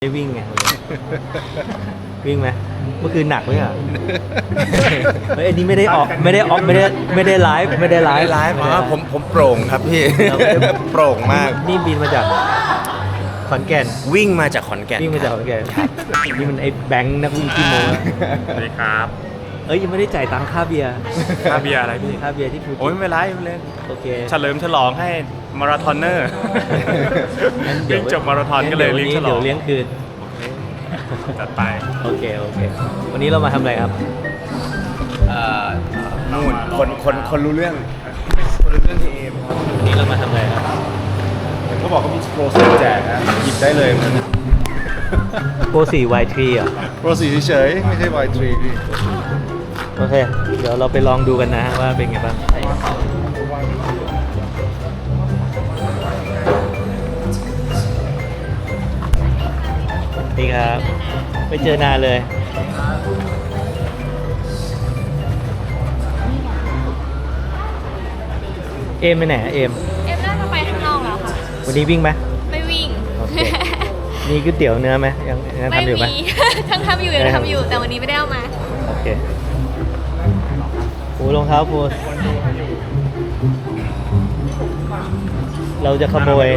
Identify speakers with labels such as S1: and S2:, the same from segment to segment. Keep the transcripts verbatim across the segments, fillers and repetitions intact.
S1: ได้วิ่งไง วิ่งไหมเมื่อคืนหนักไหมอ่ะ เฮ้ยอันนี้ไม่ได้ออกไม่ได้ออกไม่ได้ไม่ได้ไลฟ์ไม่ได้ไลฟ์
S2: ไลฟ์อ๋อผมผมโปร่งครับพี่ โปร่งมาก
S1: นี่บินมาจากขอนแก่น
S2: วิ่งมาจากขอนแก่น
S1: วิ่งมาจากขอนแก่นนี่มันไอ้แบงค์นักวิ่งขี้โม้
S3: สวัสดีครับ
S1: เอ้ยยังไม่ได้จ่ายตังค่าเบียร์
S3: ค่าเบียร์อะไรพี่
S1: ค่าเบียร์ที่ภู
S3: โอ้ย
S1: เก็ต
S3: ไม่เป็นไรไม่เป็นไร
S1: โอเค
S3: เฉลิมฉลองให้มาราธอนเนอร์
S1: งั้นเดี๋ยว
S3: วิ่งจบมาราธอนก็เลยเลี้ยงฉลอง
S1: เดี๋ยวเลี้ยงคืน
S3: จัดไป
S1: โอเคโอเควันนี้เรามาทำอะไรครับ
S2: เอ่อนู่นคนคนคนรู้เรื่องคนรู้เรื่องที่เอมครับ
S1: วันนี้เรามาทำอะไรครับ
S3: เขาบอกเขามีโปรเซสแจกนะหยิบได้เลยมัน
S1: โปรสี่ วาย ทรี อ่ะ
S3: โปรสีเฉยๆไม่ใช่ วาย ทรี พี่
S1: โอเค เดี๋ยวเราไปลองดูกันนะว่าเป็นไงบ้างนี่ครับไม่เจอนานเลย เอมไปไหนอะเอม
S4: เอ็มน่าจะไปข้างนอกแล้วค่ะ
S1: วันนี้วิ่งไหม
S4: ไม่วิ่ง
S1: โอเค มีก๋วยเตี๋ยวเนื้อไหมยังยัง
S4: ไม่
S1: ทำอยู่ไหม
S4: มี ทั้งทำอยู่ยังทำอยู่ แต่วันนี้ไม่ได้เอามา
S1: โอเคโอ้รองเท้าโพสเราจะขโมย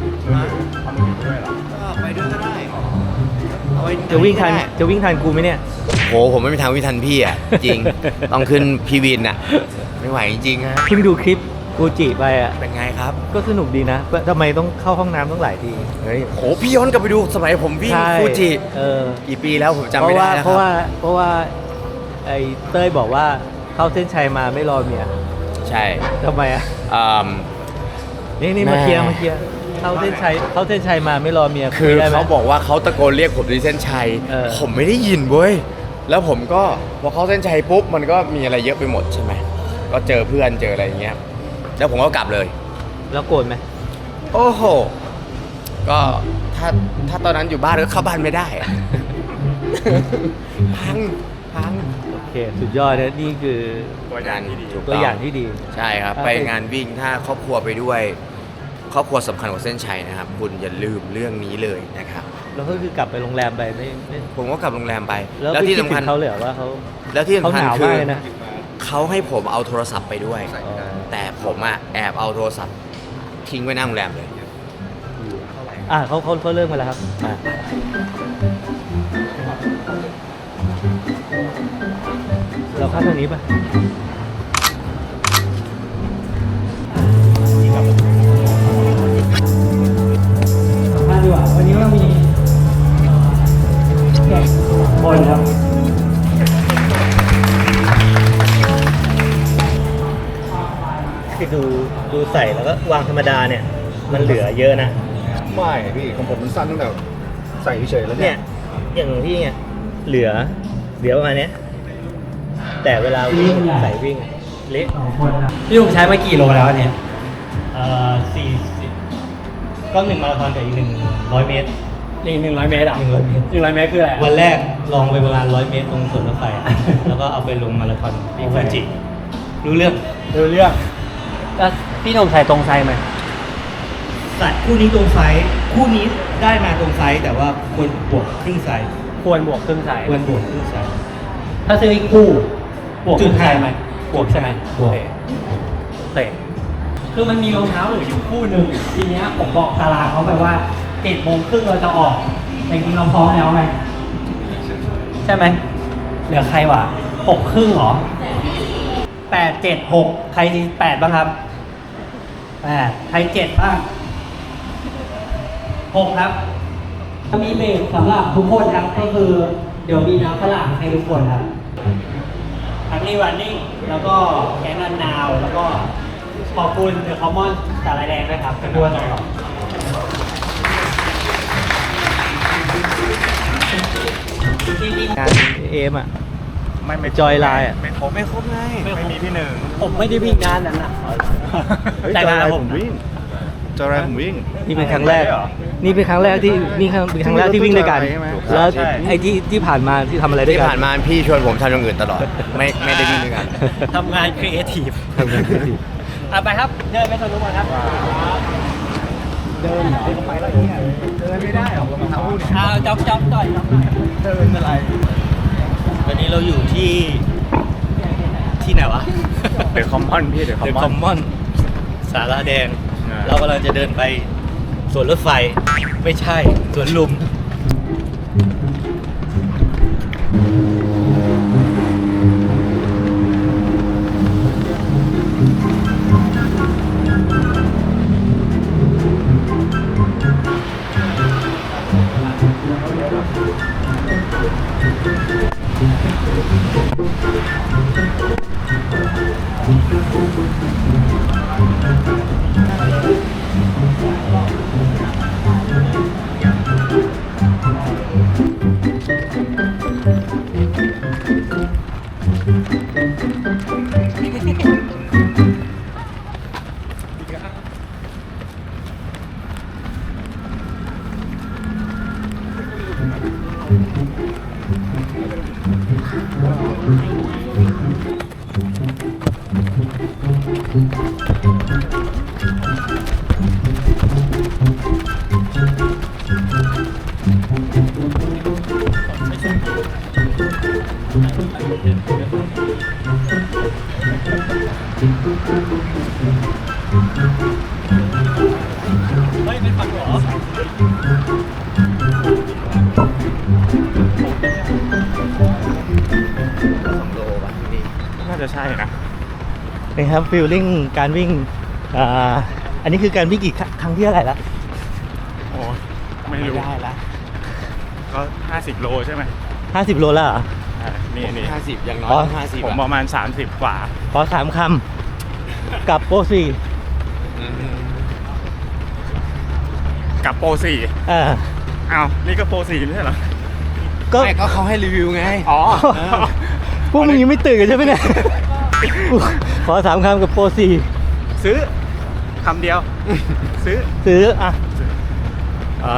S2: ไปด้วยก็ได้เอาไว้
S1: จะวิ่งทันจะวิ่งทันกูไหมเนี่ย
S2: โหผมไม่มีทางวิ่งทันพี่อ่ะ จริง ต้องขึ้นพีวินอ่ะ ไม่ไหวจริงๆฮะ
S1: เพิ่งดูคลิปกูจิไปอ่ะ
S2: เป็นไงครับ
S1: ก็สนุกดีนะทำไมต้องเข้าห้องน้ำต้องหลายที
S2: เฮ้ยโหพี่ย้อนกลับไปดูสมัยผมวิ่ง
S1: ใช่
S2: ฟูจิ
S1: เออ
S2: กี่ปีแล้วผมจำ
S1: เพ
S2: ไม่
S1: ราะ
S2: ได้
S1: ว่า
S2: แล้ว
S1: เพ
S2: ค
S1: ราะ
S2: รับ
S1: ว่าเพราะว่าไอ้เต้ยบอกว่าเข้าเส้นชัยมาไม่รอเมีย
S2: ใช่
S1: ทำไมอ่ะ
S2: อืม
S1: นี่นี่
S2: แม่
S1: มาเคลียร์มาเคลียร์เข้าเส้นชัยเข้าเส้นชัยมาไม่รอเมีย
S2: คือ
S1: ได้ไหม
S2: เขาบอกว่าเขาตะโกนเรียกผมที่เส้นชัย
S1: เออ
S2: ผมไม่ได้ยินเว้ย แล้วผมก็พอเข้าเส้นชัยปุ๊บมันก็มีอะไรเยอะไปหมดใช่ไหม ก็เจอเพื่อนเจออะไรอย่างเงี้ย แล้วผมก็กลับเลย
S1: แล้วโกรธไหม
S2: โอ้โห ก็ถ้าถ้าตอนนั้นอยู่บ้านก็เข้าบ้านไม่ได้อะ พังพัง
S1: โอเคสุดยอดนะนี่คือ
S3: ตัวอย่างที่ดี
S2: ถูก
S1: ตัวอย่างที่ดี
S2: ใช่ครับ
S1: ครับ
S2: ไปงานวิ่งถ้าครอบครัวไปด้วย ครอบครัวสำคัญกว่าเส้นชัยนะครับ คุณอย่าลืมเรื่องนี้เลยนะครับ
S1: แล้วก็คือกลับไปโรงแรมไปไม่ไม่
S2: ผมก็กลับโรงแรมไป
S1: แล้ว
S2: แล้ว
S1: ที่
S2: ที่สำคัญ
S1: เขาเลยเหรอว่าเขา
S2: แล้วที่
S1: เขา
S2: สำคัญ
S1: หนาว
S2: คื
S1: มาก
S2: อ
S1: เลยนะ
S2: เขาให้ผมเอาโทรศัพท์ไปด้วย
S1: อ๋อ
S2: แต่ผมอะแอบเอาโทรศัพท์ทิ้งไว้หน้าโรงแรมเลย
S1: อ่ะเขาเขาเขาเริ่มมาแล้วครับอ่ะเราเข้าทางนี้ป่ะมาดีกว่าวันนี้เรามีแขกบอลครับคือดูดูใส่แล้วก็วางธรรมดาเนี่ย มันเหลือเยอะนะ
S3: ไม่พี่ของผมมันสั้นตั้งแต่ใส่เฉยๆแล้ว
S1: เนี่ย อย่างพี่เนี่ยเหลือเหลือประมาณเนี้ยแต่เวลาวิ่งใส่วิ่งเละ
S5: พี่ลุงใช้มากี่โลแล้วเนี่ย
S1: เอ่อสี่สิบก็หนึ่งมาราธอนกับอีกหนึ่งร้อยเมตร
S5: อีกหนึ่งร้อยเมตรอ่ะ
S1: หนึ่งร้อยเมตร
S5: หนึ่งร้อยเมตรคืออะไร
S1: วันแรกลองไปประมาณร้อยเมตรตรงสวนรถไฟอะแล้วก็เอาไปลงมาราธอนที่ฟูจิรู้เรื่อง
S5: ดูเรื่องแล้วพี่หนุ่มใส่ตรงไซส์ไหม
S1: สัตว์คู่นี้ตรงไซส์คู่นี้ได้มาตรงไซส์แต่ว่าควรบวกครึ่งไซส์
S5: ควรบวกครึ่งไซส์
S1: ควรบวกครึ่งไซส์
S5: ถ้าซื้ออีกคู่บวกครึ่งไซส์ไหมบวกใช่ไหม
S1: บวก
S5: เตะคือมันมีรองเท้าเหลืออยู่คู่หนึ่งทีเนี้ยผมบอกตารางเขาไปว่าเจ็ดโมงครึ่งเราจะออกแต่จริงๆเราพร้อมแล้วไงใช่ไหมเหลือใครวะหกครึ่งเหรอแปดเจ็ดหกใครแปดบ้างครับแปดใครเจ็ดบ้างหกครับมีเบรกสำหรับทุกคนครับก็คือเดี๋ยวมีน้ำฝรั่งให้ทุกคนครับทั้งนี้รันนิ่งแล้วก็แกงนันนาวแล้วก็ขอบคุณเดอะคอมมอนสาลายแดงด้วยครับเป็นด้วยต่อจริงๆ
S1: งานเอมอ่ะ
S3: ไม่ไม่
S1: จอยไลน์อะ
S3: ไม่ครบไม่ครบไงไม่มีพี่หนึ่ง
S5: ผมไม่ได้วิ่งงานนั้นนะแต่งานผม
S3: จอยไลน์ผมวิ่ง
S1: นี่เป็นครั้งแรก นี่เป็นครั้งแรกที่นี่ครั้งเป็นครั้งแรกที่วิ่งด้วยกัน
S3: ใช่ไหม
S1: แล้ว
S3: ใช่
S1: ไอ้ที่ที่ผ่านมาที่ทำอะไรด้วย
S2: ที่
S1: กัน
S2: ผ่านมาพี่ชวนผมทำอย่างอื่นตลอด ไม่ไม่ได้วิ่งด้วยกัน
S5: ทำงานครีเอทีฟ
S1: ทำงานครีเอทีฟ
S5: อ่ะไปครับ เดินไปสนุกก่อนครับ
S3: เดินเหรอไปแล้วเนี่ยเดินไม่ได้หรอกรองเท้าเนี่ย
S5: อ่าจ๊อบจ๊อบจ่อยจ๊อบ
S3: เดินอะไร
S1: วันนี้เราอยู่ที่ที่ไหนวะ
S2: เดอะคอมมอนพี่เดอะคอ
S1: เด
S2: ม
S1: อะ
S2: ม
S1: ค
S2: อ
S1: อน มมอนสาราแดง
S2: อ่า
S1: เรากำลังจะเดินไปสวนรถไฟ ไม่ใช่สวนลุม
S5: เฮ้ยเป็นฝั่งเหรอ
S2: น่าจะใช่นะ
S1: เป็นครับฟิลลิ่งการวิ่งอ่าอันนี้คือการวิ่งกี่ครั้งครั้งที่เท่าไหร่ละ
S2: โอ้ไม่รู้
S1: ได้ละ
S2: ก็ห้าสิบโลใช่ไหม
S1: ห้าสิบโลแล้วเหรอ
S2: อ่านี่นี่
S6: ห้าสิบอย่างน้อ
S1: อ๋อ
S6: ยห้าสิบ
S2: ผมประมาณสามสิบกว่า
S1: ขอสามคำกับโปรสี่
S2: กับโปรสี่
S1: เออ
S2: อ้าวนี่ก็โปรสี่ไม่ใช่เหรอ
S1: ก็
S6: ไม่ก็เขาให้รีวิวไง
S2: อ๋อ
S1: พวกมึงยังไม่ตื่นกันใช่ไหมเนี่ย ขอสามคำกับโปรสี่
S2: ซื้อคำเดียว ซื้อ
S1: ซื้ออ่ะ
S6: อ่า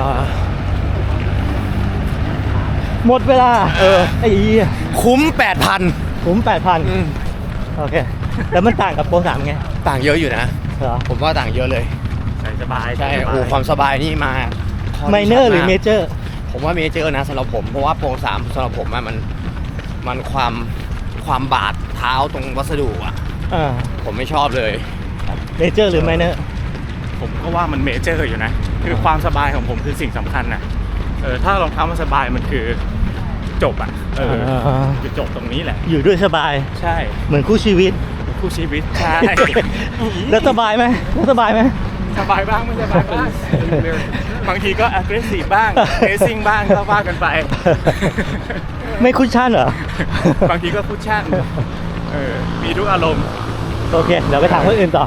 S1: หมดเวลา เออไอ้เหี้ย
S6: คุ้มแปดพัน
S1: ผมแปดพันโอเค แล้วมันต่างกับโปรสามไง
S6: ต่างเยอะอยู่นะ
S1: เหรอ
S6: ผมว่าต่างเยอะเลย
S2: ใส่สบาย
S6: ใช่
S2: สบาย
S6: โอ้ความสบายนี่มาข้ดี
S1: ไมเนอร์หรือ
S6: ชัด
S1: เม
S6: มาก
S1: เจอร์
S6: ผมว่าเมเจอร์นะสำหรับผม เพราะว่าโปรสามสำหรับผมอะมันมันความความบาดเท้าตรงวัสดุอ่ะ
S1: อ่า
S6: ผมไม่ชอบเลย
S1: เมเจอร์หรือไมเนอร์
S2: ผมก็ว่ามันเมเจอร์อยู่นะ คือความสบายของผมคือสิ่งสำคัญนะเออถ้ารองเท้ามันสบายมันคือจบอ่ะเออคือจบตรงนี้แหละ
S1: อยู่ด้วยสบาย
S2: ใช่
S1: เหมือนคู่ชีวิต
S2: คู่ชีวิตใช่
S1: แล้วสบายไหมแล้วสบายไหม
S2: สบายบ้างไม่สบายบ้างบางทีก็ aggressive บ้าง racing บ้างก็ว่ากันไป
S1: ไม่คุชชั่นเหรอ
S2: บางทีก็คุชชั่นเออมีทุกอารมณ์
S1: โอเค เดี๋ยวไปถามคนอื่นต่อ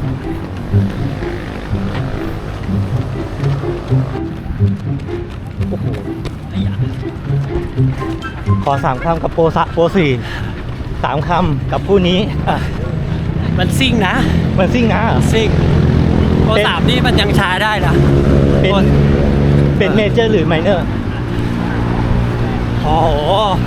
S1: โอ้โหขอสามคำกับโปรสะโปรสี่สามคำกับผู้นี้อ่ะ
S5: มันซิ่งนะ
S1: มันซิ่งนะ
S5: ซิ่งโปร
S1: เป็น
S5: สามนี่มันยังช้าได้นะ
S1: เป็น เป็นเมเจอร์หรือไมเนอร์
S5: โอ้โห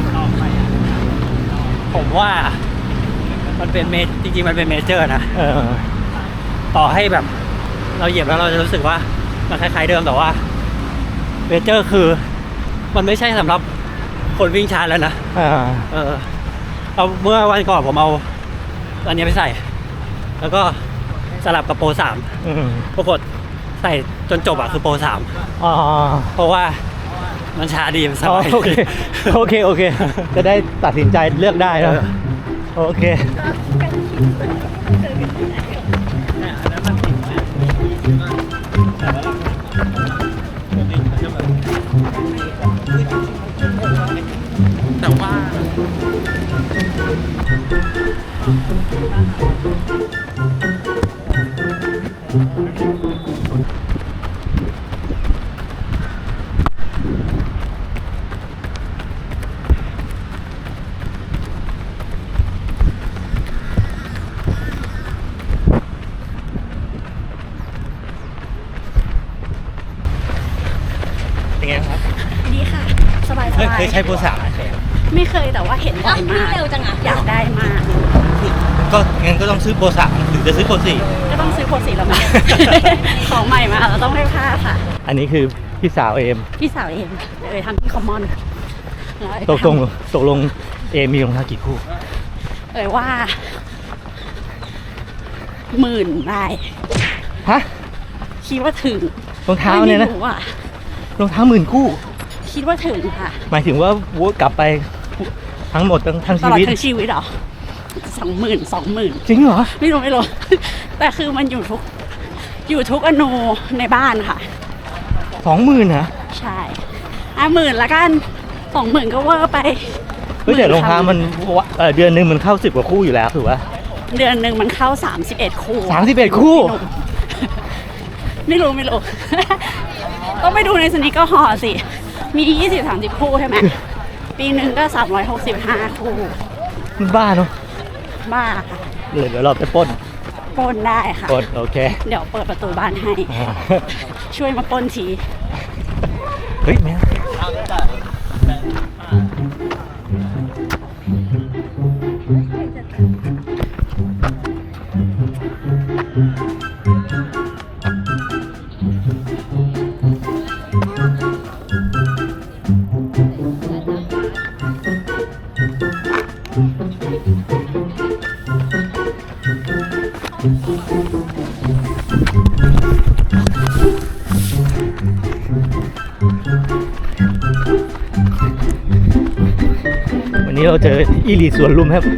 S5: ผมว่า มันเป็นเมจริงๆมันเป็นเมเจอร์นะ
S1: เออ
S5: ต่อให้แบบ เราเหยียบแล้วเราจะรู้สึกว่ามันคล้ายๆเดิมแต่ว่าเมเจอร์คือ มันไม่ใช่สำหรับคนวิ่งช้าแล้วนะ
S1: อ่า
S5: เออเอาเมื่อวันก่อนผมเอาอันนี้ไปใส่ แล้วก็สลับกับโปรสาม
S1: อืม
S5: ปรากฏใส่จนจบอะคือโปรสาม
S1: อ๋อ
S5: เพราะว่ามันช้าดีมันส
S1: อ๋อบ
S5: าย
S1: โอเค โอเค โอเค จะได้ตัดสินใจเลือกได้นะโอเค
S5: แต่ว่า
S1: เป็นไงครับ
S4: ดีค่ะ สบายส
S1: เคย
S4: บาย
S1: เคยใช้โปรสามไหม
S4: ไม่เคยแต่ว่าเห็นบ่อยมากเร็วจังอ่ะอยากได้มาก
S1: ก็งั้นก็ต้องซื้อโปรสามหรือจะซื้อโปรสี่
S4: ก็ต้องซื้อพูดสิเราไม่ ของใหม่มาเราต้องไม่พลาดค่ะ
S1: อันนี้คือพี่สาวเอม
S4: พี่สาวเองเออทำที่คอมมอน
S1: ตกลงตกลงเอมมีรองเท้ากี่คู่
S4: เอ่ยว่าหมื่นได้
S1: ฮะ
S4: คิดว่าถึง
S1: รองเท้าเนี่ยนะ
S4: ไม่รู้อ่ะ
S1: รองเท้าหมื่นคู่
S4: คิดว่าถึงค่ะ
S1: หมายถึงว่าวนกลับไปทั้งหมดทั้งทั้ง
S4: ต
S1: ชี
S4: ลอด
S1: วิต
S4: ทั้งชีวิตเหรอสองหมื่นสองหมื่น
S1: จริงเหรอ
S4: ไม่รู้ไม่รู้ แต่คือมันอยู่ทุกอยู่ทุกอนูในบ้านค่ะ
S1: สองหมื่นนะ
S4: ใช่อ่ะหมื่นละกันสองหมื่นก็เวอร์ไป
S1: เฮ้ยแต่รองเท้ามันเอ่อเดือนหนึ่งมันเข้าสิบกว่าคู่อยู่แล้วถือว่า
S4: เดือนหนึ่งมันเข้าสามสิบเอ็ดคู่
S1: สามสิบเอ็ดคู่
S4: ไม่รู้ไม่รู้ ต้องไปดูในสนิกเกอร์ฮอลล์สิ มียี่สิบ สามสิบคู่ใช่ไหม ปีหนึ่งก็สามร้อยหกสิบห้าคู่
S1: มันบ้าเนาะ
S4: บ้าค่ะ
S1: เดี๋ยวเดี๋ยวเราไปปล้น
S4: ปล้นได้ค่ะ
S1: ปล้นโอเค
S4: เดี๋ยวเปิดประตูบ้านให้
S1: อ่า
S4: ช่วยมาปล้นที
S1: เฮ้ยแม่วันนี้เราเจออีลีสวนลุมครับ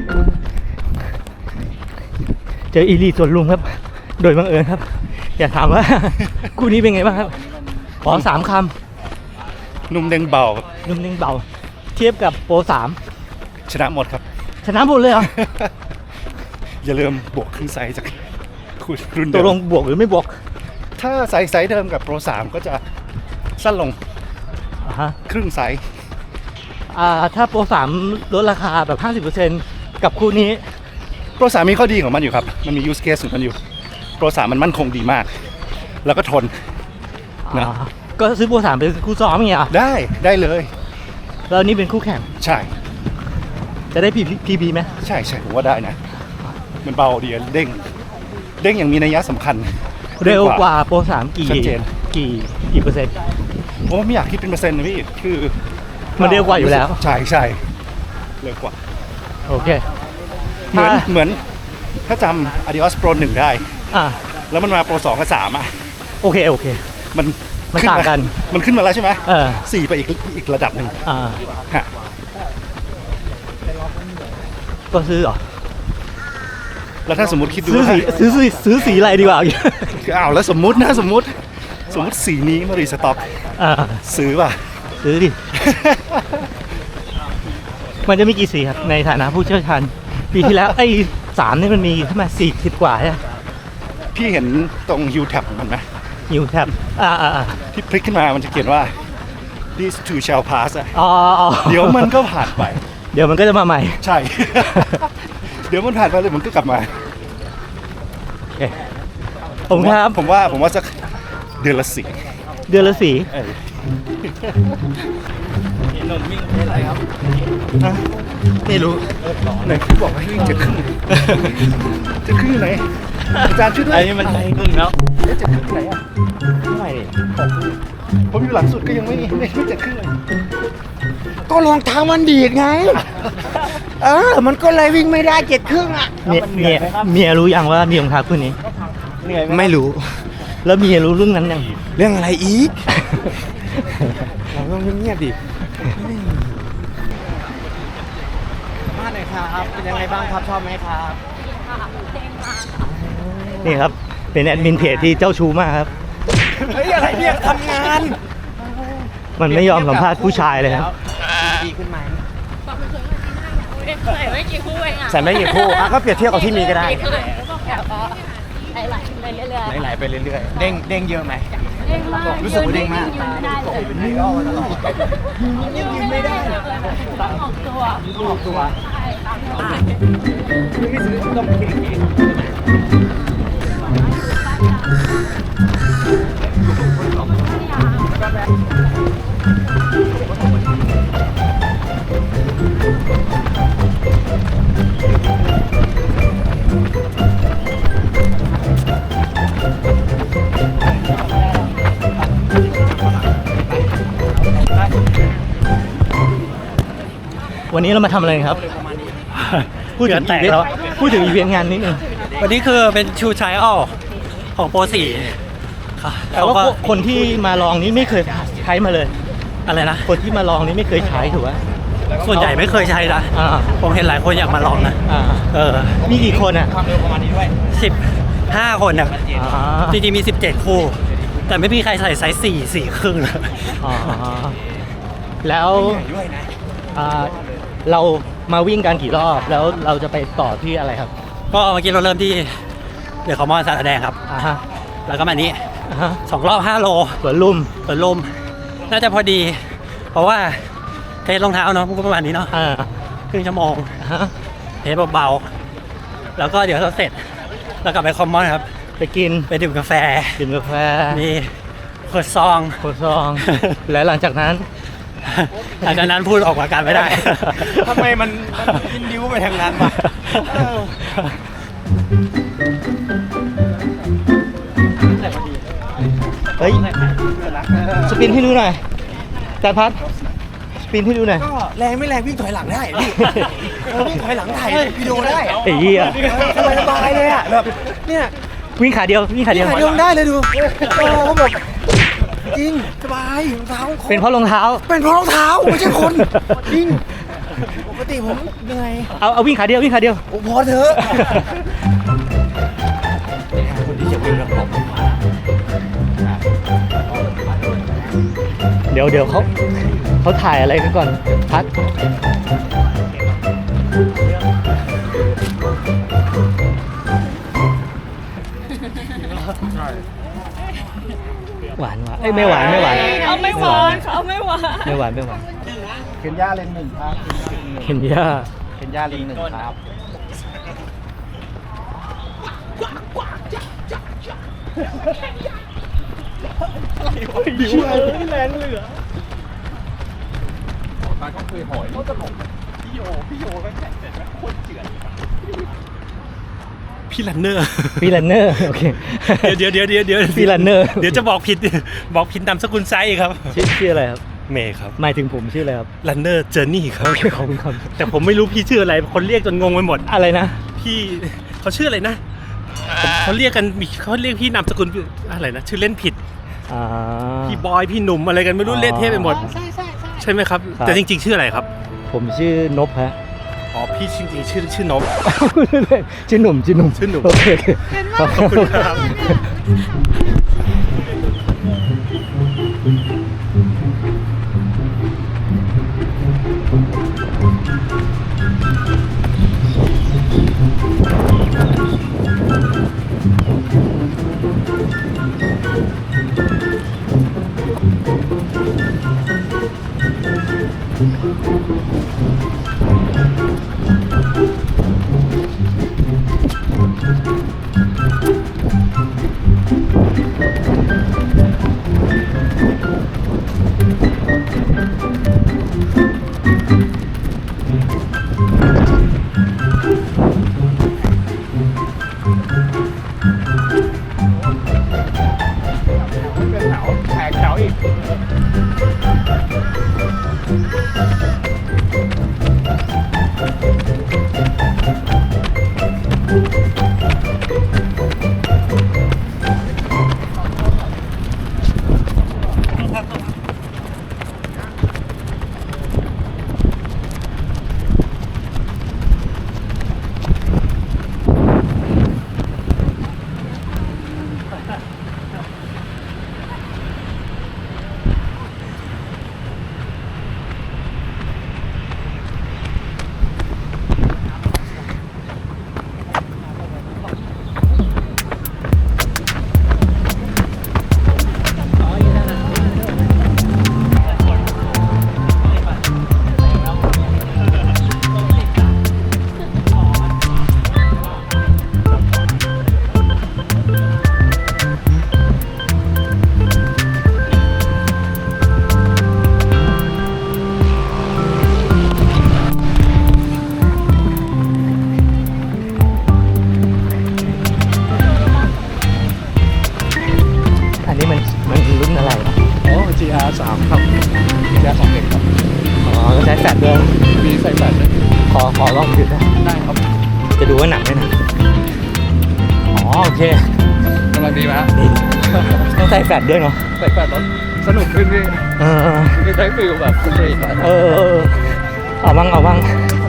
S1: เจออีลีสวนลุมครับ โดยบังเอิญครับ อยากถามว่า คู่นี้เป็นไงบ้างครับ ขอสามค
S3: นุ่มเด้งเบา
S1: ำนุ่มนิ่งเบา เทียบกับโปรสาม
S3: ชนะหมดครับ
S1: ชนะหมดเลยเหรอ
S3: อย่าลืมบวกครึ่งไซส์จากคุณรุ่น
S1: ต
S3: เดิ
S1: กลง
S3: ม
S1: บวกหรือไม่บวก
S3: ถ้าไซส์ไซส์เดิมกับโปรสามก็จะสั้นลง
S1: อ่าฮะ
S3: ครึ่งไซส์
S1: อ่าถ้าโปรสามลดราคาแบบ ห้าสิบเปอร์เซ็นต์ กับคู่นี้
S3: โปรสามมีข้อดีของมันอยู่ครับ มันมียูสเคสของมันอยู่ โปรสามมันมั่นคงดีมาก แล้วก็ทน นะ
S1: อ่าก็ซื้อโปรสามเป็นคู่ซ้อมอย่างเงี้ยเหรอ
S3: ได้ได้เลย
S1: แล้วนี่เป็นคู่แข่ง
S3: ใช่
S1: จะได้พีพีพีไหม
S3: ใช่ใช่ผมว่าได้นะ มันเบาดีเด้ง เด้งอย่างมีนัยสำคัญ
S1: เร็วกว่าโปรสามกี่
S3: ชัดเจน
S1: กี่กี่เปอร์เซ็นต์
S3: ผมว่าไม่อยากคิดเป็นเปอร์เซ็นต์นะพี่ คือ
S1: มันเร็วกว่าอยู่แล้ว
S3: ใช่ใช่เร็วกว่า
S1: โอเค
S3: เหมือน
S1: ถ้า
S3: เหมือนถ้าจำ Adios Pro หนึ่งได้
S1: อ่า
S3: แล้วมันมา Pro สองกับสามอ่ะ
S1: โอเค โอเค
S3: มัน
S1: มัน
S3: ขึ้
S1: ต่างกัน
S3: มันขึ้นมาแล้วใช่ไหม
S1: เออ
S3: สี่ไปอีกอีกระดับหนึ่ง
S1: อ่า
S3: ฮะ
S1: ก็ซื้อเหรอ
S3: แล้วถ้าสมมติคิดดู
S1: ซื้อ
S3: ว่า
S1: สีซื้อสีซื้อสีอะไรดีกว่า
S3: อ้าวแล้วสมมตินะสมมติสมมติสีนี้มารีสต็อก
S1: อ่า
S3: ซื้อป่ะ
S1: ซื้อดิ มันจะมีกี่สีครับ ในฐานะผู้เชี่ยวชาญปีที่แล้ว ไอ้สามนี่มันมีเท่าไหร่สี่สิบกว่าใช่ไหม
S3: พี่เห็นตรง U tab ของมันไหม
S1: นิวแท็บอ่าอ่าอ่า
S3: ที่พลิกขึ้นมามันจะเขียนว่า these two shall pass อะ
S1: อ๋ออ๋อ
S3: เดี๋ยวมันก็ผ่านไป
S1: เดี๋ยวมันก็จะมาใหม่
S3: ใช่ เดี๋ยวมันผ่านไปเลยมันก็กลับมา
S1: โอเคผมครับ
S3: ผมว่าผมว่าสักเดือนละสี่
S1: เดือนละสี
S3: เออ
S1: ไม่รู้
S3: ไหนพี่บอกให้วิ่งเจ็ดครึ่งเจ็ดครึ่งอยู่ไหนอาจารย์ช่วยด้วย
S1: อันนี้มันครึ่งแล้ว
S3: เอ๊ะเจ็ดครึ่งไหนอ่ะ
S1: เท่าไหร่
S3: ผมอยู่หลังสุดก็ยังไม่ไม่ไม่เจ็ดครึ่งเลย
S6: ก็รองเท้ามันดีดไง เออ มันก็เลยวิ่งไม่ได้เจ็ดครึ่งอ่ะ
S1: เมียเมียเมียรู้ยังว่ามีรองเท้าคู่นี้
S6: ไม่รู้
S1: แล้วเมียรู้เรื่องนั้นยัง
S6: เรื่องอะไรอีก เราต้องเงียบๆดิบ้านไหนครับ เป็นยังไงบ้างครับ ชอบไหมครับ
S1: นี่ครับ เป็นแอดมินเพจที่เจ้าชู้มากครับ
S6: เฮ้ย อะไรเนี่ยทำงาน
S1: มันไม่ยอมสัมภาษณ์ผู้ชายเลยครับ
S6: ดีขึ้นไหม
S4: ใส่ไม่กี่คู่เองอ่ะ
S6: ใส่ไม่กี่คู่อ่ะก็เปรียบเทียบกับที่มีก็ได้
S4: ไหลๆไปเรื่อยๆ
S6: ไหลๆไปเรื่อยๆ เด้งเด้งเยอะไหม
S4: เด้งมาก
S6: รู้สึกว่าเด้งมาก
S4: ยืนไม่ได้เลยยืนไม่ได้เลยต้องออกตัว
S6: ออกตัว
S1: เวันนี้เรามาทำอะไรครับ พูดถึง
S5: แตก
S1: อีเวนต์
S5: แล้ว
S1: พูดถึงอีเวนต์งานนิดนึง
S5: วันนี้คือเป็นชูไทรอัลของโปรสี่ค่ะ
S1: แต่ว่า
S5: เขก็
S1: คนที่มาลองนี้ไม่เคยใช้มาเลย
S5: อะไรนะ
S1: คนที่มาลองนี้ไม่เคยใช้ถูกไหม
S5: ส่วนใหญ่ไม่เคยใช้นะ
S1: อ่า
S5: ผมเห็นหลายคนอยากมาลองนะ
S1: อ่า
S5: เออ
S1: มีกี่คนอ่ะ
S5: สิบห้าคนอ่ะ
S1: อ่า
S5: จริงๆมีสิบเจ็ดคู่ แต่ไม่มีใครใส่ไซส์สี่สี่ครึ่งเลย
S1: อ๋อแล้วอ่าเรามาวิ่งกันกี่รอบแล้วเราจะไปต่อที่อะไรครับ
S5: ก็เมื่อกี้เราเริ่มที่เดี๋ยวขอมอนสารแดงครับ
S1: อ่าฮะ
S5: แล้วก็มานี้
S1: อ่าฮะ
S5: สองรอบห้าโล
S1: สวนลุม
S5: เปิดลมน่าจะพอดี เพราะว่าเทสรองเท้าเนาะประมาณนี้เนาะ
S1: อ่า
S5: ครึ่งชั่วโมง
S1: อ่าฮะ
S5: เทสเบาๆแล้วก็เดี๋ยวเราเสร็จแล้วกลับไปคอมมอนครับ
S1: ไปกิน
S5: ไปดื่มกาแฟ
S1: กินกาแฟ
S5: มีขวดซอง
S1: โคซอง แล้วหลังจากนั้น
S5: หลังจากนั้นพูดออกอาการไม่ได้
S6: ทำไมมันยินดิ้วไปทางนั้นวะ
S1: เฮ้ยสปินให้ดูหน่อยจานพัดสปินให้ดูหน่อย
S6: ก็แรงไม่แรงวิ่งถอยหลังได้พี่เออวิ่งถอยหลังถ่ายวิดีโอได้
S1: ไอ้เหี้ย
S6: สบายสบายเลยอ่ะแบบเนี่ย
S1: วิ่งขาเดียววิ่งขาเดียว
S6: ถ่ายลงได้เลยดูโอ้เขาแบบจริงสบายรองเท้าของ
S1: เป็นเพราะรองเท้า
S6: เป็นเพราะรองเท้าไม่ใช่คนจริงปกติผมเหนื่อย
S1: เอาเอาวิ่งขาเดียววิ่งขาเดียว
S6: โอ้พอเถอะ
S1: เดี๋ยวเดี๋ยวเขาเขาถ่ายอะไรกันก่อนพัดหวานหวานเอ้ยไม่หวานไม่หวาน
S4: เอาไม่หวานเขาไม่หวาน
S1: ไม่หวานไม่หวาน
S3: เคนย่าเลนหนึ่งครับ
S1: เห็นย่า
S3: เคนย่าเลนหนึ่งครับ
S2: พี่ลันเนอร์
S1: ฟีลันเนอร์โอเค
S2: เดี๋ยวเดี๋ยวเดี๋ยวเดี๋ยว
S1: ฟีลันเนอร์
S2: เดี๋ยวจะบอกผิด บอกผิดนามสกุลไซส์ครับ
S1: ชื่อชื่ออะไรครับ
S2: เมย์ครับ
S1: หมายถึงผมชื่ออะไรครับ
S2: ลันเนอร์เจอร์นี่ครับ
S1: โอเคขอบคุณครับ
S2: แต่ผมไม่รู้พี่ชื่ออะไร คนเรียกจนงงไปหมด
S1: อะไรนะ
S2: พี่เขาชื่ออะไรนะผมเขาเรียกกันมีเขาเรียกพี่นามสกุลอะไรนะ ชื่อเล่นผิด
S1: อ่า
S2: พี่บอย พี่หนุ่มอะไรกันไม่รู้
S1: อ๋อ
S2: เละเทะไปหมด ใช่ไหมครับ
S1: ครับ
S2: แต่จริง ๆ ชื่ออะไรครับ
S1: ผมชื่อนพฮะ
S2: อ๋อ พี่จริงๆชื่อชื่อนบ
S1: ชื่อหนุ่มชื่อหนุ่ม
S2: ชื่อหนุ่ม
S1: โอเคโอเคขอบ
S2: ขอบคุณครับ
S3: แขกแถวอีก
S1: อันนี้มันมันรุ่นอะไรอ่ะ
S3: อ๋อ จี อาร์ สามครับ จี อาร์ สองเอ็กครับ
S1: อ๋อก็ใช้แฟลชด้วย
S3: มีใส่แฟลช
S1: ขอลองดูได้ได้ครับ จะดูว่าหนักไหมนะอ๋อโอเค
S3: กำลังดีไหมฮะ
S1: นี่ต้องใส่แฟลชด้วยเนาะ
S3: ใส่แฟลชแล้วสนุกขึ้นพี่
S1: เออ
S3: ไม่ได้ฟิลแบบสตรีท
S1: เออเออเอาบ้างเอาบ้าง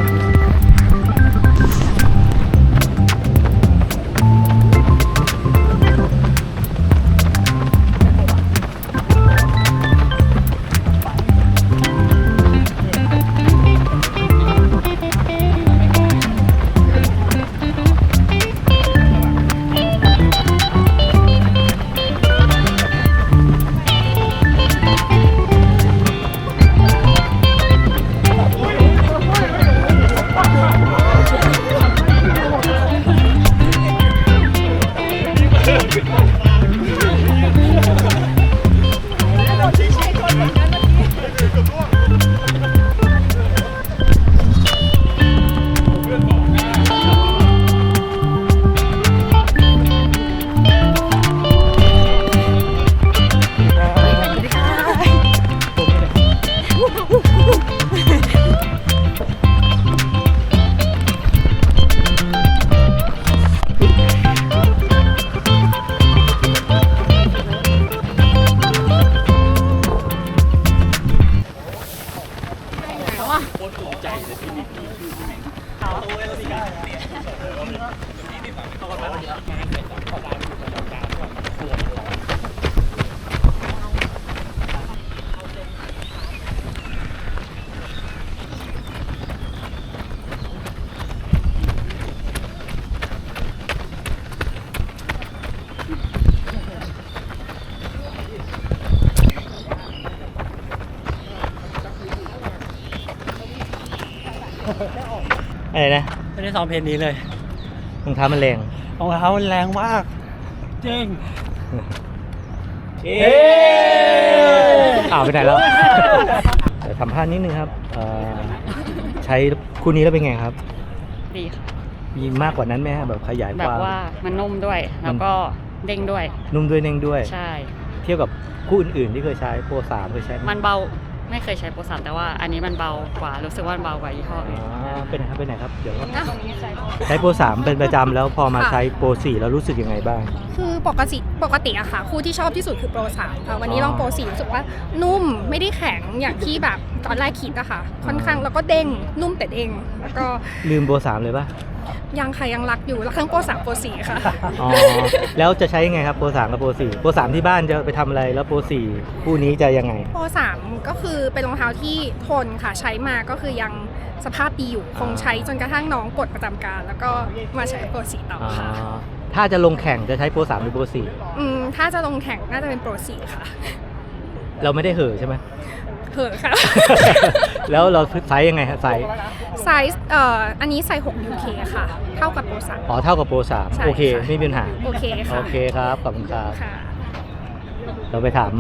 S1: อะไรนะ
S5: ไม่ได้ซ้อมเพลงนี้เลย
S1: รองเท้ามันแรง
S5: รองเท้ามันแรงมากจริง
S1: เอ๊อ้าวไปไหนแล้ว เดี๋ยวสัมภาษณ์นิดนึงครับเอ่อใช้คู่นี้แล้วเป็นไงครับ
S4: ดีค่ะ
S1: มีมากกว่านั้นไหมฮะแบบขยาย
S4: แบ
S1: ค
S4: บ
S1: วาม
S4: ว่ามันนุ่มด้วย แล้วก็เด้งด้วย
S1: นุ่มด้วยเน่งด้วย
S4: ใช่
S1: เทียบกับคู่อื่นๆที่เคยใช้โปรสามเคยใช้ไห
S4: มันเบาไม่เคยใช้โปรสามแต่ว่าอันนี้มันเบากว่ารู้สึกว่ามันเบากว่ายี่ห้อ
S1: อ๋
S4: อื่น
S1: อเป็นไงครับเป็นไหนครับ เดี๋ยว
S4: ตรงนี้ใช้
S1: ใช้โปรสามเป็นประจำแล้วพอมา
S7: ค่ะ
S1: ใช้โปรสี่แล้วรู้สึกยังไงบ้าง
S7: คือปกติปกติอะค่ะ คู่ที่ชอบที่สุดคือโปรสามค่ะวันนี้
S1: อ๋อ
S7: ลองโปรสี่รู้สึกว่านุ่มไม่ได้แข็งอย่างที่แบบตอนแรกคิดอะค่ะ ค่อนข้างแล้วก็เด้งนุ่มแต่เด้งแล้วก็
S1: ลืมโปรสามเลยปะ
S7: ยังค่ะยังรักอยู่รักทั้งโปรสามโปรสี่ค่ะ
S1: อ๋อแล้วจะใช้ยังไงครับโปรสามกับโปรสี่โปรสามที่บ้านจะไปทำอะไรแล้วโปรสี่คู่นี้จะยังไง
S7: โปรสามก็คือเป็นรองเท้าที่ทนค่ะใช้มาก็คือยังสภาพดีอยู่คงใช้จนกระทั่งน้องปลดประจำการ แล้วก็มาใช้โปรสี่ต่อ
S1: อ๋อ
S7: ค่ะ
S1: ถ้าจะลงแข่งจะใช้โปรสามหรือโปรสี่
S7: อืมถ้าจะลงแข่งน่าจะเป็นโปรสี่ค่ะ
S1: เราไม่ได้เห่อะใช่ไหม
S7: เหอะค่ะ
S1: แล้วเราไซส์ยังไงฮะไซส์
S7: ไซส์เอ่ออันนี้ไซส์หก ยู เค ค่ะ เท่ากับโปรสาม
S1: อ๋อเท่ากับโปรสาม
S7: ใช่
S1: โอเค
S7: ค่ะ
S1: ไม่มีปัญหา
S7: โอเคค่ะ
S1: โอเคครับขอบคุณครับ
S7: ค่ะ
S1: เราไปถาม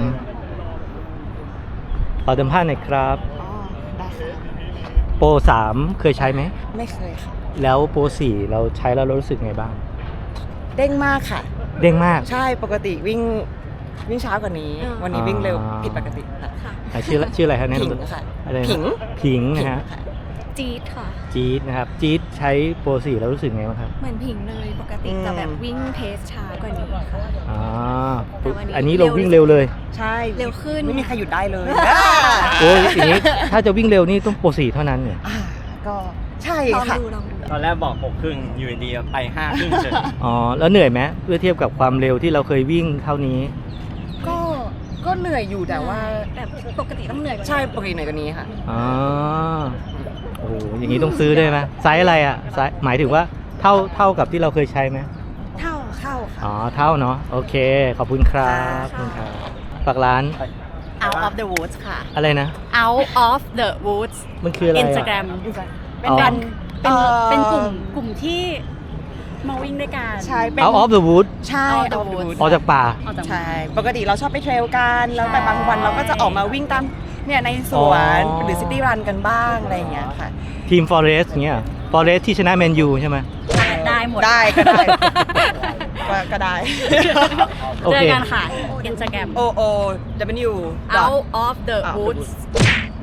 S1: ขอสัมภาษณ์หน่อยครับ
S8: อ๋อ ได้ค่ะ
S1: โปรสามเคยใช้ไหม
S8: ไม่เคยค่ะ
S1: แล้วโปรสี่เราใช้แล้วเรารู้สึกไงบ้าง
S8: เด้งมากค่ะ
S1: เด้งมาก
S8: ใช่ปกติวิ่งวิ่งช้ากว่านี้
S7: อ่า
S8: วันนี้วิ่งเร็ว
S1: อ่า
S8: ผิดปกติค่ะ
S1: อ่ะชื่อชื่ออะไรครับแนะ
S8: ผิง
S1: นำตัว
S8: ค่ะ
S1: อะไรนะ
S8: ผิง
S1: ผิง
S8: ผิ
S1: นะ
S8: ง
S1: ฮะ
S8: ค่ะ
S7: จี๊ดค่ะ
S1: จี๊ดนะครับจี๊ดใช้โปรสี่แล้วรู้สึกไงบ้างครับ
S7: เหมือนผิงเลยปกติจะแบบวิ่งเพสช้ากว่านี้ค่ะ
S1: อ๋อ
S7: แต่วันนี้
S1: อันนี้เราวิ่งเร็วเลย
S8: ใช่
S7: เร็วขึ้น
S8: ไม่มีใครหยุดได้เลย
S1: โอ้ยอย่างนี้ถ้าจะวิ่งเร็วนี่ต้องโปรสี่เท่านั้นเนี่ย
S8: อ่าก็ใช่
S7: ลอง
S8: ค่ะ
S7: ดูลองดู
S2: ตอนแรกบอกหกครึ่งอยู่ดีๆไปห้าครึ่งเฉย
S1: อ๋อแล้วเหนื่อยไหมเพื่อเทียบกับความเร็วที่เราเคยวิ่งเท่านี้
S8: ก็ก็เหนื่อยอยู่แต่ว่า
S7: แต่ปกติต้องเหนื่อยกว่านี้
S8: ใช่ปกติเหนื่อยกว่านี้ค่ะ
S1: อ๋อโอ้โหอย่างนี้ต้องซื้อได้ไหมไซส์อะไรอ่ะไซส์หมายถึงว่าเท่าเท่ากับที่เราเคยใช้ไหม
S8: เท่าเข้าค่ะ
S1: อ๋อเท่าเนาะโอเค ขอบคุณครับขอบคุณครับฝากร้าน
S8: Out of the Woods ค่ะ
S1: อะไรนะ
S4: Out of the Woods
S1: มันคืออะไรอะ
S4: Instagram เป็น
S1: อ๋อ
S4: การเป็น
S8: เอ่อ
S4: เป็นกลุ่มกลุ่มที่มาวิ่งด้วยกัน
S8: ใช่เป็น
S1: Out of the Wood
S8: ใช่
S4: Out of
S8: Out
S4: the
S8: of the
S4: Woods
S8: Woods
S1: ออกจากป่า
S4: ออกจาก
S8: ใช่ ปกติเราชอบไปเทรลกัน แล้วแต่บางวันเราก็จะออกมาวิ่งตามเนี่ยในสวน
S1: อ๋อ
S8: หรือซิตี้รันกันบ้างอะไรอย่างเงี้ยค่ะ
S1: ทีม Forest เงี้ย Forest ที่ชนะแมนยูใช่ไหม
S4: ได้หมด
S8: ได้ก็ได้ ก็ก็ได้
S1: โอ
S4: เจอ
S1: เค
S4: กันค่ะ Instagram
S8: O O W
S4: Out of the
S8: Out of the
S4: Woods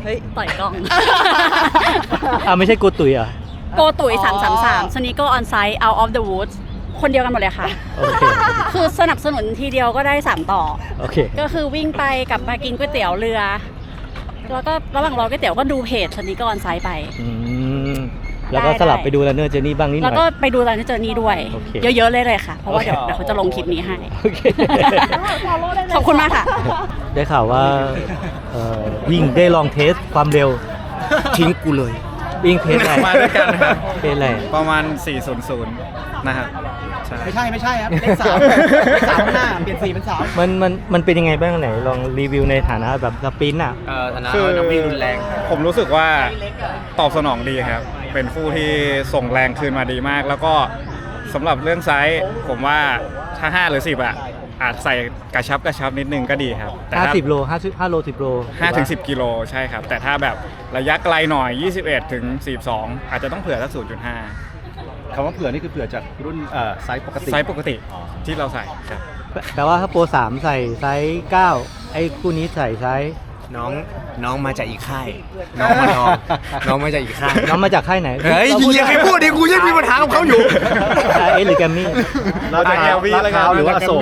S8: เฮ้ย
S4: ต่อยกล้อง
S1: อ่าไม่ใช่กูตุ๋ยเหรอ่ะ
S4: โกตุ๋ยสามสามสามสนิโกออนไซต์ out of the woods คนเดียวกันหมดเลยค่ะ
S1: โอเค
S4: คือสนับสนุนทีเดียวก็ได้สามต่อ
S1: โอเค
S4: ก็คือวิ่งไปกลับมากินก๋วยเตี๋ยวเรือ แล้วก็ระหว่างรอก๋วยเตี๋ยวก็ดูเพจสนิโกออนไซต์ไป
S1: อืมแล้วก็สลับไปดูแลเนอร์เจอร์นี่บ้างนิดห
S4: แล้ว
S1: น่อย
S4: ก็ไปดูตอนนี้เจอนี่ด้วย
S1: โอเค
S4: เยอะๆเลยเลยค่ะ เพราะว่าเดี๋ยว
S1: โอเค
S4: เดี๋ยวเขาจะลงคลิปนี้ให้
S1: โอเค
S4: ขอบคุณมากค่ะ
S1: ได้ข่าวว่าเอ่อวิ่งได้ลองเทสความเร็ว
S6: ทิ้งกูเลย
S1: วิ่งเทสอะไร
S2: มาด้วยกันนะครับ
S1: เทสอะไร
S2: ประมาณ สี่ศูนย์ศูนย์ นะครับใช่
S8: ไม่ใช่ไม่ใช่ครับเลขสามเลขสามข้างหน้าเปลี่ยนสีเป็นสาม
S1: มันมันมันเป็นยังไงบ้างไหนลองรีวิวในฐานะแบบสปรินต์อ่ะ
S6: เอ่อฐานะ
S2: คือ
S6: นักวิ่งรุนแรง
S2: ผมรู้สึกว่าตอบสนองดีครับ เป็นคู่ที่ส่งแรงคืนมาดีมาก แล้วก็สำหรับเรื่องไซส์ผมว่าถ้าห้าหรือสิบอ่ะอาจใส่กระชับกระชับนิดนึงก็ดีครับแต่ถ้า
S1: ห้าสิบโลห้าห้าโลสิบโล
S2: ห้าถึงสิบกิโลใช่ครับ แต่ถ้าแบบระยะไกลหน่อย ยี่สิบเอ็ดถึงสี่สิบสอง อาจจะต้องเผื่อสัก ศูนย์จุดห้า
S3: คำว่าเผื่อนี่คือเผื่อจากรุ่นเอ่อไซส์ปกติ
S2: ไซส์ปกติที่เราใส่ครับ
S1: แปลว่าถ้าโปรสามใส่ไซส์เก้าไอ้คู่นี้ใส่ไซส์
S6: น้องน้องมาจากอีกค่าย น้องมาน้องน้องมาจากอีกค่าย
S1: น้องมาจากค่ายไหน
S6: เฮ้ย
S1: ราพูด
S6: อย่าไปพูดดิกูยังมีปัญหากับเขาอยู่
S1: เอสหรือแกมมี่
S3: เราจะ
S2: อ่ะ L V แล้วกัน
S3: ลาดพร้าวหรือว่าอโศก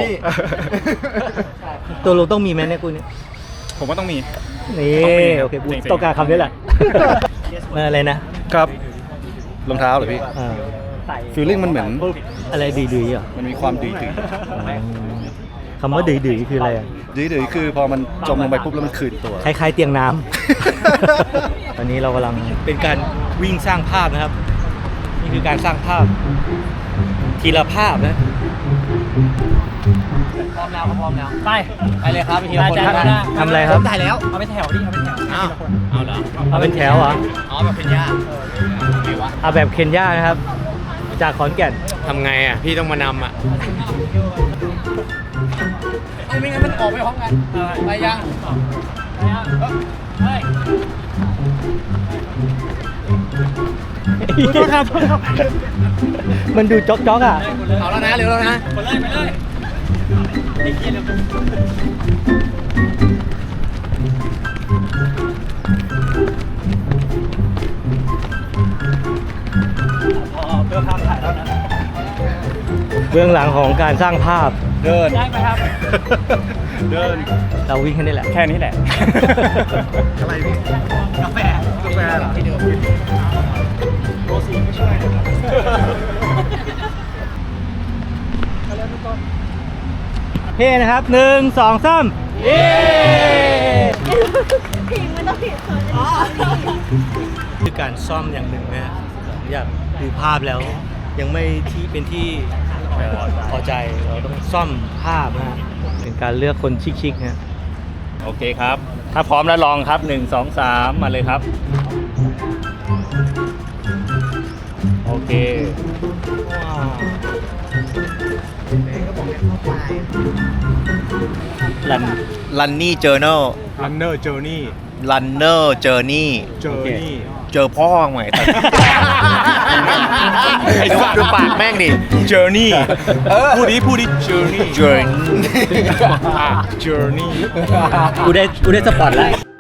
S1: ตัวลงต้องมีไหมเนี่ยคู่นี้
S2: ผมว่าต้องมี
S1: นี่
S2: ต้องมีครับ
S1: โอเคกู
S2: จริงๆ
S1: ต้องการคำนี้แหละ เมื่ออะไรนะครับ
S3: รองเท้าเหรอพี่
S1: อ่า
S3: ฟีลลิ่งมันเหมือน
S1: อะไรดื้อๆเหรอ
S3: มันมีความดื้อ
S1: คำว่าดื้อๆคืออะไรอ่ะ
S3: ๆดื้อๆคือพอมันจมลงไปปุ๊บแล้วมันคืนตัว
S1: คล้ายๆเตียงน้ำ ตอนนี้เรากำลังเป็นการวิ่งสร้างภาพนะครับ นี่คือการสร้างภาพ ทีละภาพนะ
S5: พร้อมแล้วครับพร้อมแล้ว ไป
S6: ไปเลยครับไปทีละคน
S5: ได้
S6: ครับ
S5: ได้
S1: ทำอะไรครับ
S6: ถ่ายแล้ว
S5: เอาไปแถวดิ เอาไปแถว
S6: อ้าวเอาเหรอ
S1: เอาเป็นแถวเหรอ
S6: อ๋อแบบเป็นญาติไงวะ
S1: เอาแบบเคนยานะครับ จากขอนแก่น
S6: ทำไงอ่ะ พี่ต้องมานำอ่ะไม่งั้นมันออกไปพร้อมกันไปยัง
S5: เฮ้ย
S1: มันดูจ๊อกจ๊อกอ่ะ
S6: เอาแล้วนะเร็วแล้วนะ
S5: ไปเลยไปเลยไอ้เกียร์เร็ว พอเพื่อภาพถ่ายแล้วนะ
S1: เบื้องหลังของการสร้างภาพ
S3: เดิน
S5: ได้ไหมครับ
S3: เดิน
S1: เราวิ่งแค่นี้แหละ
S2: แค่นี้แหละ
S3: อะไรพี่
S5: กาแฟ
S3: กาแฟเหรอ
S5: โรสีไม่ช่วยนะครับ
S1: เฮ้นะครับหนึ่งสองสามเย้คือการซ่อมอย่างหนึ่งนะอยากดูภาพแล้ว ยังไม่ที่เป็นที่เอ่อพอใจเราต้องซ่อมภาพนะฮะเป็นการเลือกคนชิคๆนะ
S2: โอเคครับ ถ้าพร้อมแล้วลองครับ หนึ่ง สอง สาม มาเลยครับ โอเค
S1: ลัน
S6: ลันนี่เจอเนอร์
S2: Runner Journey
S6: ลันเนอร์เจอร์นี่
S2: Journey
S6: เจอพ่อใหม่แต่ไอ้สัตว์ดูปากแม่งดิ
S2: Journey พูดดิพูดดิ Journey
S6: Journey
S2: อ่ะ Journey
S1: กูได้กูได้สปอตแล้ว